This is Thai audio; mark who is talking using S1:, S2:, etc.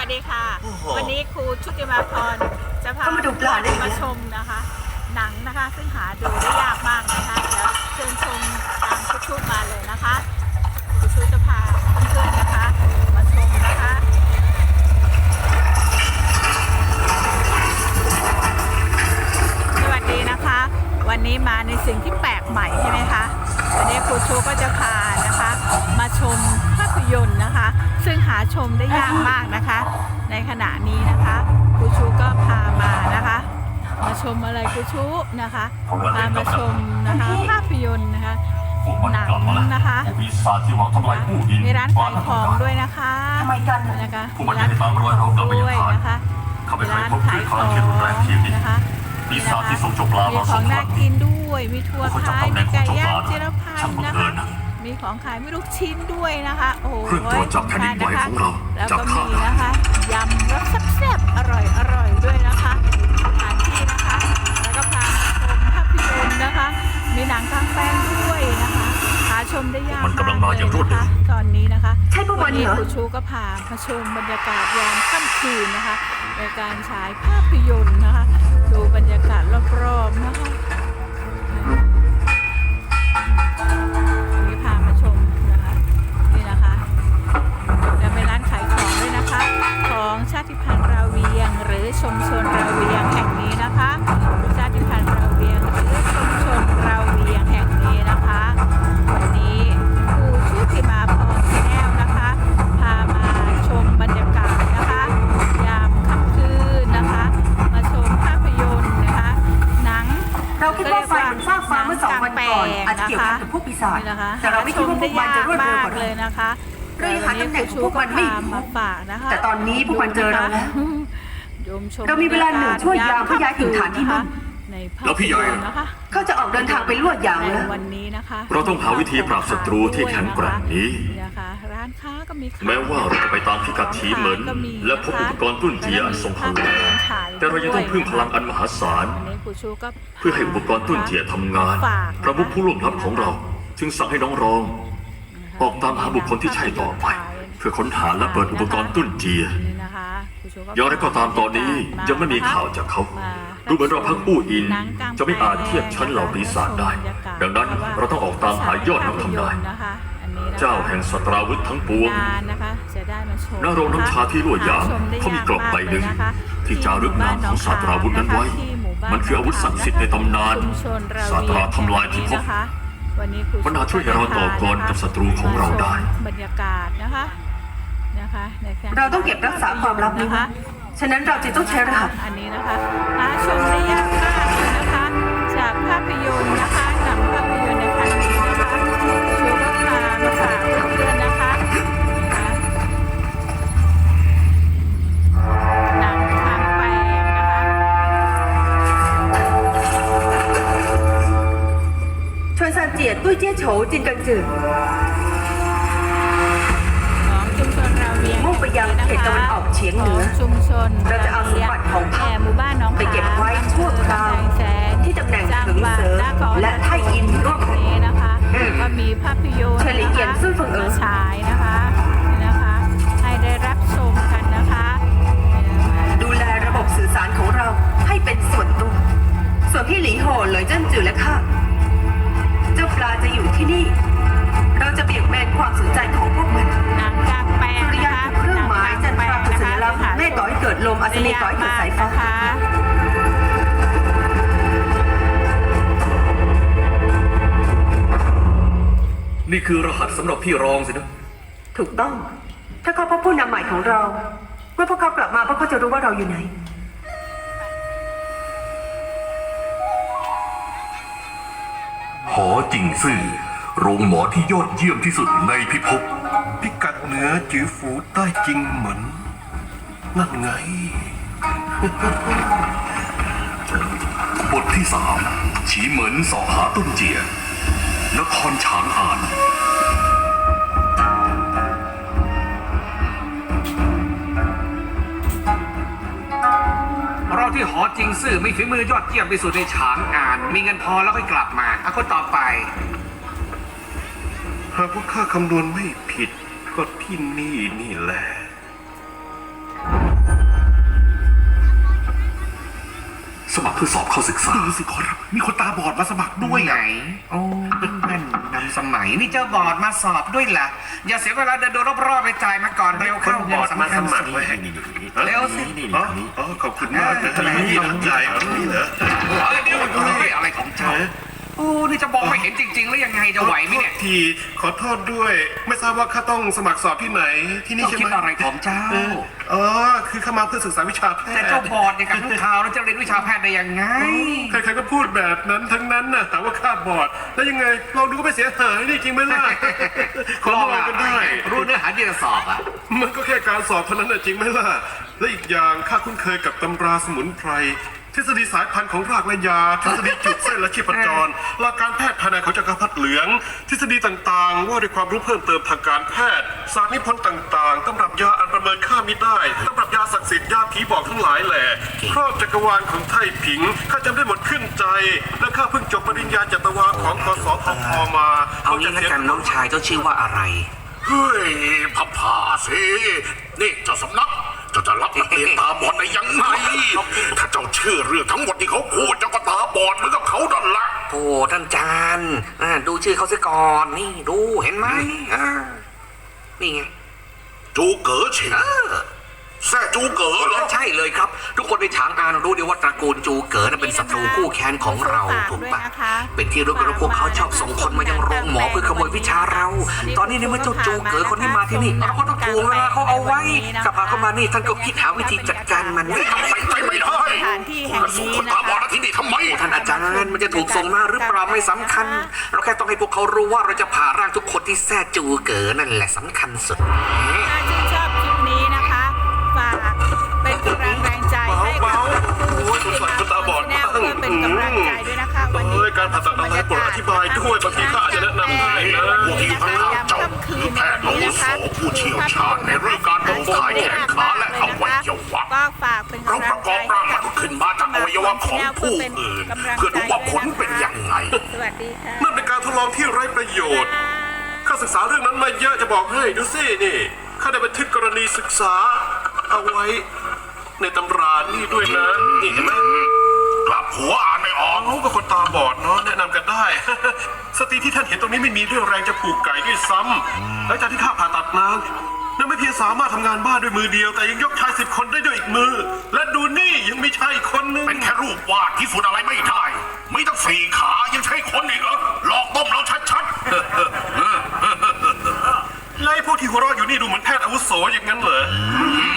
S1: สดีค่ะวันนี้ครูชุติมาพรจะพามาชมนะคะหนังนะคะซึ่งหาดูได้ยากมากนะคะเดี๋ยวเชิญชมตามครูชุมาเลยนะคะครูชุจะพาเพื่อนๆนะคะมาชมนะคะสวัสดีนะคะวันนี้มาในสิ่งที่แปลกใหม่ใช่ไหมคะวันนี้ครูชุก็จะพานะคะมาชมภาพยนตร์นะคะซึ่งหาชมได้ยากมากนะคะในขณะนี้นะคะครูชูก็พามานะคะมาชมอะไรครูชูนะคะพามาชมนะคะภาพยนตร์นะคะหนังนะคะมีร้านขายของด้วยนะคะนะคะมีร้านขายของด้วยนะคะร้านขายของนะคะมีของน่ากินด้วยมีทัวร์ขายมีไก่ย่างจิรพันธ์นะคะมีของขายไม่ลูกชิ้นด้วยนะคะโอ้โหจับแผ่นดินไหวของเราแล้วก็มีนะคะยำรสแซ่บๆอร่อยด้วยนะคะสถานที่นะคะแล้วก็พาชมภาพยนตร์นะคะมีหนังกลางแปลงด้วยนะคะหาชมได้ยากมากเลยนะคะตอนนี้นะคะวันนี้ครูชูก็พามาชมบรรยากาศยามค่ำคืนนะคะในการฉายภาพยนตร์นะคะดูบรรยากาศรอบๆนะคะชาติพันธุ์ราเวียงหรือชุมชนราเวียงแห่งนี้นะคะชาติพันธุ์ราเวียงหรือชุมชนราเวียงแห่งนี้นะคะวันนี้ครูชุติมาพรแก้วนะคะพามาชมบรรยากาศนะคะยามค่ำคืนนะคะมาชมภาพยนตร์นะคะหนัง
S2: เราคิดว่าไฟมันฟากฟ้าเมื่อ2 วันก่อนอาจจะเกี่ยวข้องกับพวกปีศาจแต่เราไม่คิดว่าพวกมันจะรวดเร็วกว่า
S1: เลยนะคะ
S2: เราหาตำแหน่งของพวกมันไม่
S1: มาฝากนะคะ
S2: แต่ตอนนี้พวกมันเจอเราแล้วเรามีเวลา1 ชั่วยามเพื่อย้ายถิ่นฐานที่มั่น
S3: แล้วพี่ใหญ่
S2: เขาจะออกเดินทางไปลวดยางแล้ว
S1: วันนี้นะคะ
S3: เราต้องหาวิธีปราบศัตรูที่แข็งแกร่งนี้
S1: นะคะร้านค้าก็มี
S3: แม้ว่าเราจะไปตามพิกัดทีเหมือนและพบอุปกรณ์ตุ้นเจียอันทรงพลังแต่เรายังต้องพึ่งพลังอันมหาศาลเพื่อให้อุปกรณ์ตุ้นเจียทำงานพระมุขผู้ล่วงลับของเราจึงสั่งให้น้องรองออกตามหาบุคคลที่ใช่ต่อไปเพื่อค้นหาและเปิดอุปกรณ์ตุ้นเจียอย่างไรก็ตามตอนนี้ยังไม่มีข่าวจากเขาดูเหมือนเราพักอู้อินจะไม่อาจเทียบชั้นเหล่าปีศาจได้ดังนั้นเราต้องออกตามหายอดนักทำนายเจ้าแห่งสตราวุธทั้งปวงณโรงน้ำชาที่ลวดยางเขามีกรอบใบหนึ่งที่จารึกนามของสตราวุธนั้นไว้มันคืออาวุธศักดิ์สิทธิ์ในตำนานสตราทำลายพิภพมันอาจช่วยให้เราต่อกรกับศัตรูของเราได้
S1: บรรยากาศนะคะ
S2: เราต้องเก็บรักษาความลับนะคะฉะนั้นเราจะต้องใช้รหัส
S1: อันนี้นะคะหาชมได้ยากมากเลยนะคะจากภาพยนตร์นะคะหนังภาพยนตร์ในครั้งนี้นะคะชูก็พามาฝากเพื่อนๆนะคะหนังกลางแปลงนะคะ
S2: ชวนซานเจียตุ้ยเจี้ยโฉจินกังจือมุ่งไปยังเขตตะวันออกเฉียงเหนือเราจะเอาสมบัติของพรรค
S1: หมู่บ้านน้อง
S2: ไปเก็บไว้ชั่วคราวที่ตำแหน่งถึงเสริมและไทยอินร่วมกัน
S1: นะคะก็มีภาพยนตร์มาฉายนะคะให้ได้รับชมกันนะคะ
S2: ดูแลระบบสื่อสารของเราให้เป็นส่วนตัวส่วนพี่หลีโห่เลยเจิ้นจือและข้าเจ้าปลาจะอยู่ที่นี่เราจะเบี่ยงเบนความสนใจของพวกมัน
S1: หนังกลางแปลง
S2: สุริยันคือเครื่องหมายจันทราคือสัญลักษณ์เมฆก่อให้เกิดลมอัศนีก่อให้เกิดสายฟ้า
S3: นี่คือรหัสสำหรับพี่รองสินะ
S2: ถูกต้องถ้าเขาพบผู้นำใหม่ของเราเมื่อพวกเขากลับมาพวกเขาจะรู้ว่าเราอยู่ไหน
S4: หอจิงซื่อโรงหมอที่ยอดเยี่ยมที่สุดในพิภพ
S5: พิกัดเหนือจือฝูใต้จริงเหมือนนั่นไง
S4: บทที่3ฉีเหมินสอหาต้นเจียนครฉางอาน
S6: เราที่หอจิงซื่อมีฝีมือยอดเยี่ยมที่สุดในฉางอานมีเงินพอแล้วค่อยกลับมาคนต่อไป
S5: หากว่าข้าคำนวณไม่ผิดก็ที่นี่แหละ
S4: สมัครเพื่อสอบเข้าศึกษา
S5: ดูสิขอรับมีคนตาบอดมาสมัครด้วย
S6: ไหน
S5: อ่ะ
S6: โอ้นั่นนำสมัยนี่เจ้าบอร์ดมาสอบด้วยล่ะ อย่าเสียเวลาเดินดูรอบๆไปจ่ายมาก่อนเร็วเข้า
S3: บอร์ดมาสมัคร
S6: เล
S3: ไว้
S6: ย
S3: ให้
S6: เร็วสิ
S3: อ๋อขอบคุณมากนะที่น้ำใจนี่เหรอ
S6: เดี๋ยวอะไรของเจ้าโอ้นี่จะมองไม่เห็นจริงๆหรือยังไงจะไหวไหมเนี่ย
S5: ทีขอโทษด้วย ไม่ทราบว่าข้าต้องสมัครสอบที่ไหนที่นี่
S6: เจ้า
S5: ใช่
S6: คิ
S5: ไห
S6: ด
S5: ม
S6: อะไรของเจ้า
S5: อ๋อคือเข้ามาเพื่อศึกษาวิชาแพทย์
S6: แต่เจ้าบอร์ดเนี่ยกับทุกข่าวแล้วจะเรียนวิชาแพทย์ได้ยังไง
S5: ใครๆก็พูดแบบนั้นทั้งนั้นน่ะหาว่าข้าบอดแล้วยังไงลองดูก็ไม่เสียหายนี่จริงไหมล่ะขอลองกันได้
S6: รู้เนื้อหาที่จะสอบอ่ะ
S5: มันก็แค่การสอบเท่านั้นน่ะจริงไหมล่ะ และอีกอย่างข้าคุ้นเคยกับตำราสมุนไพรทฤษฎีสายพันธุ์ของรากและยาทฤษฎีจุดเส้นและชีพจรหลักการแพทย์ภายในของจักรพรรดิเหลือง ทฤษฎีต่างๆ ว่าด้วยความรู้เพิ่มเติมทางการแพทย์สารนิพนธ์ต่างๆตำรับยาอันประเมินค่ามิได้ตำรับยาศักดิ์สิทธิ์ยาผีบอกทั้งหลายแหล่ครอบจักรวาลของไทผิงข้าจำได้หมดขึ้นใจ และข้าเพิ่งจบปริญญาจัตวาของกสทพมา
S6: เอางี้ละกันน้องชายเจ้าชื่อว่าอะไร
S4: เฮ้ยพับผ่าสินี่เจ้าสำนักเจ้าจะรับนักเรียนตาบอดได้ยังไงถ้าเจ้าเชื่อเรื่องทั้งหมดที่เขาพูดเจ้าก็ตาบอดเหมือนกับเขาดันละ
S6: โอ้ท่านจานดูชื่อเขาซะก่อนนี่ดูเห็นไหมนี่ไง
S4: จูเก๋อฉิงแซ่จูเก๋อเหรอ
S6: ใช่เลยครับ ทุกคนในฉางอานรู้ดีว่าตระกูลจูเก๋อนั้นเป็นศัตรูคู่แค้นของเราถูกปะเป็นที่รู้กันว่าพวกเขาชอบส่งคนมายังโรงหมอเพื่อขโมยวิชาเรา ตอนนี้เนี่ยเมื่อเจ้าจูเก๋อคนที่มาที่นี่เราก็ต้องถ่วงเวลาเขาเอาไว้กับพาเข้ามานี่ท่านก็คิดหาวิธีจัดการมัน
S4: ทำไมใจไม่ได้
S1: สถานที่แห่ง
S4: ส่ง
S1: นี้
S4: คน
S1: นะ
S4: ตาบอด
S1: คะ
S4: มาที่นี่ทำไม
S6: ท่านอาจารย์มันจะถูกส่งมาหรือเปล่าไม่สำคัญ เราแค่ต้องให้พวกเขารู้ว่าเราจะผ่าร่างทุกคนที่แท้จูเก๋อนั่นแหละสำคัญสุด
S1: ถ้าชื่นชอบคลิปนี้นะคะฝากเป็นกำลังแรงใจให้กับ
S5: โอ้ยสงสารคนตาบอด
S1: แนวเพื่อเป็นกำลังใจด้วยนะคะวันนี้
S5: การผ่าตัดอะไรโปรดอธิบายด้วยบางทีข้าอาจจะแนะนำได้นะ
S4: พวกที่อยู่ข้างๆเจ้าคือแพทย์อาวุโสผู้เชี่ยวชาญในเรื่องการบำบัดแขนขาและอวัยวะ
S1: ก็ฝากเป็น
S4: เรา
S1: กำลั
S4: ป
S1: ง
S4: ระก
S1: ใจ
S4: อบร่างมนุษย์ขึ้นมาจากอวัยวะของผู้อื่น เพื่อดูว่าผลเป็นยังไง
S1: สวัสดีค่ะ
S5: นั่นเป็นการทดลองที่ไร้ประโยชน์ ข้าศึกษาเรื่องนั้นมาเยอะจะบอกให้ดูสินี่ ข้าได้บันทึกกรณีศึกษา เอาไว้ในตำรานี่ด้วยนะ นี่เห็นไหม
S4: กลับหัวอ่านไม่ออก
S5: เขาก็คนตาบอดเนาะแนะนำกันได้ สตรีที่ท่านเห็นตรงนี้ไม่มีเรื่องแรงจะผูกไก่ด้วยซ้ำหลังจากที่ข้าผ่าตัดนางนั่นไม่เพียงสามารถทำงานบ้านด้วยมือเดียว แต่ยังยกชาย10 คนได้ด้วยอีกมือ และดูนี่ยังมีชายอีกคนนึง
S4: เป็นแค่รูปวาดที่สุดอะไรไม่ได้ ไม่ต้อง4 ขายังใช้คนอีกเหรอหลอกต้มเราชัดๆ
S5: ไล่พวกที่หัวเราะอยู่นี่ดูเหมือนแพทย์อาวุโสอย่างนั้นเหรอ